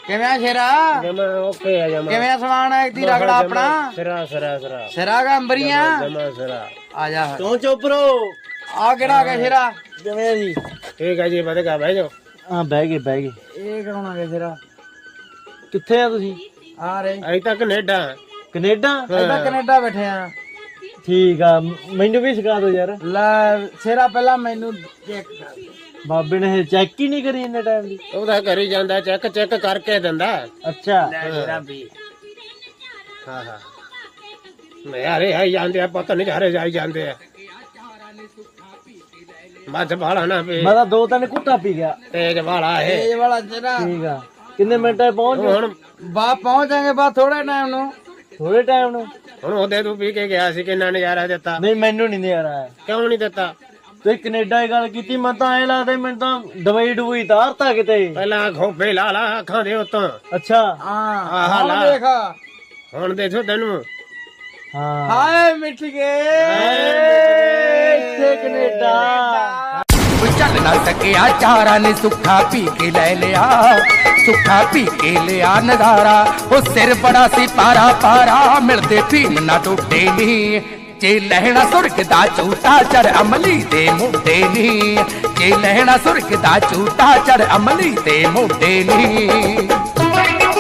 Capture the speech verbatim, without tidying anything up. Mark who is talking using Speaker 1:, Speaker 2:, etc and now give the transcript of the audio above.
Speaker 1: ਕਿਵੇਂ ਸ਼ੇਰਾ
Speaker 2: ਜਮਾ ਓਕੇ ਆ ਜਮਾ
Speaker 1: ਕਿਵੇਂ ਸਮਾਨ ਹੈ ਦੀ ਰਗੜਾ ਆਪਣਾ
Speaker 2: ਸਿਰਾ ਸਿਰਾ ਸਿਰਾ
Speaker 1: ਸਿਰਾ ਗਾ ਅੰਬਰੀਆਂ
Speaker 2: ਜਮਾ ਸਿਰਾ
Speaker 1: ਆ ਜਾ
Speaker 2: ਤੂੰ ਚੋਪਰੋ
Speaker 1: ਆ ਕਿਹੜਾ ਆ ਗਿਆ ਸ਼ੇਰਾ
Speaker 2: ਕਿਵੇਂ ਜੀ ਠੀਕ ਹੈ ਜੀ ਵਧੇਗਾ ਬਹਿ ਜਾਓ
Speaker 3: ਹਾਂ ਬਹਿ ਗਏ ਬਹਿ ਗਏ।
Speaker 1: ਇਹ ਕਰਾਉਣਾ ਗਿਆ ਸ਼ੇਰਾ
Speaker 3: ਕਿੱਥੇ ਆ ਤੁਸੀਂ?
Speaker 1: ਆ ਰੇ
Speaker 2: ਅਜੇ ਤੱਕ ਕੈਨੇਡਾ
Speaker 3: ਕੈਨੇਡਾ?
Speaker 1: ਇਹਦਾ ਕੈਨੇਡਾ ਬੈਠੇ ਆ।
Speaker 3: ਠੀਕ ਆ ਮੈਨੂੰ ਵੀ ਸਿਖਾ ਦਿਓ ਯਾਰ।
Speaker 1: ਲੈ ਸ਼ੇਰਾ ਪਹਿਲਾਂ ਮੈਨੂੰ ਚੈੱਕ ਕਰ
Speaker 3: ਬਾਬੇ ਨੇ ਚੈੱਕ ਹੀ ਨਹੀਂ ਕਰੀ ਇੰਨੇ ਟਾਈਮ ਦੀ।
Speaker 2: ਉਹਦਾ ਕਰੀ ਜਾਂਦਾ ਚੈੱਕ ਚੈੱਕ ਕਰਕੇ ਦਿੰਦਾ
Speaker 3: ਅੱਛਾ
Speaker 1: ਸ਼ੇਰਾ ਵੀ
Speaker 2: ਹਾਂ ਹਾਂ ਮੈਂ ਯਾਰੇ ਆਈ ਜਾਂਦੇ ਆ ਪਤਾ ਨਹੀਂ ਘਰੇ ਜਾਈ ਜਾਂਦੇ ਆ ਮੱਝ ਵਾਲਾ ਨਾ ਪੀ
Speaker 3: ਮੈਂ ਤਾਂ ਦੋ ਤਿੰਨ ਘੁੱਟਾ ਪੀ ਗਿਆ।
Speaker 2: ਤੇਜ ਵਾਲਾ ਇਹ
Speaker 1: ਇਹ ਵਾਲਾ ਸ਼ੇਰਾ
Speaker 3: ਠੀਕ ਆ ਕਿੰਨੇ ਮਿੰਟਾਂ 'ਚ ਪਹੁੰਚ ਜਾਓ?
Speaker 2: ਹੁਣ
Speaker 1: ਬਾ ਪਹੁੰਚਾਂਗੇ ਬਾ ਥੋੜੇ ਟਾਈਮ ਨੂੰ
Speaker 3: ਥੋੜੇ ਟਾਈਮ ਨੂੰ।
Speaker 2: ਹੁਣ ਉਹਦੇ ਤੂੰ ਪੀ ਕੇ ਗਿਆ ਸੀ ਕਿੰਨਾ ਨਜ਼ਾਰਾ ਦਿੱਤਾ
Speaker 3: ਨਹੀਂ ਮੈਨੂੰ ਨਹੀਂ ਨਜ਼ਾਰਾ ਆਇਆ।
Speaker 2: ਕਿਉਂ ਨਹੀਂ ਦਿੱਤਾ
Speaker 3: ਤੁਸੀਂ ਕੈਨੇਡਾ ਦੀ ਗੱਲ ਕੀਤੀ ਮੈਂ ਤਾਂ ਐ ਲੱਗਦਾ ਮੈਨੂੰ ਤਾਂ ਦਵਾਈ ਡੁਬਈ ਤਾਰਤਾ ਕਿਤੇ।
Speaker 2: ਪਹਿਲਾਂ ਖੋਪੇ ਲਾ ਲਾ ਅੱਖਾਂ ਦੇ ਉੱਤੋਂ
Speaker 3: ਅੱਛਾ
Speaker 1: ਹਾਂ
Speaker 2: ਆਹ
Speaker 1: ਹੁਣ
Speaker 2: ਲਾ।
Speaker 1: ਦੇਖ
Speaker 2: ਹੁਣ ਦੇਖੋ ਤੈਨੂੰ
Speaker 3: ਹਾਂ
Speaker 1: ਹਾਏ ਮਿੱਠ ਗਏ
Speaker 3: ਇੱਥੇ ਕੈਨੇਡਾ।
Speaker 4: ਚੱਲ ਨਾ ਸਕਿਆ ਚਾਰਾਂ ਨੇ ਸੁੱਖਾ ਪੀ ਕੇ ਲੈ ਲਿਆ ਸੁੱਖਾ ਪੀ ਕੇ ਲਿਆ ਨਜ਼ਾਰਾ ਉਹ ਸਿਰ ਬੜਾ ਸੀ ਪਾਰਾ ਪਾਰਾ ਮਿਲਦੇ ਪੀਣ ਨਾ ਟੁੱਟੇ ਨੀ ਜੇ ਲਹਿਣਾ ਸੁਰਗ ਦਾ ਝੂਟਾ ਚੜ ਅਮਲੀ ਦੇ ਮੁੰਡੇ ਨੀ ਜੇ ਲਹਿਣਾ ਸੁਰਗ ਦਾ ਝੂਟਾ ਚੜ ਅਮਲੀ ਦੇ ਮੁੰਡੇ ਨੀ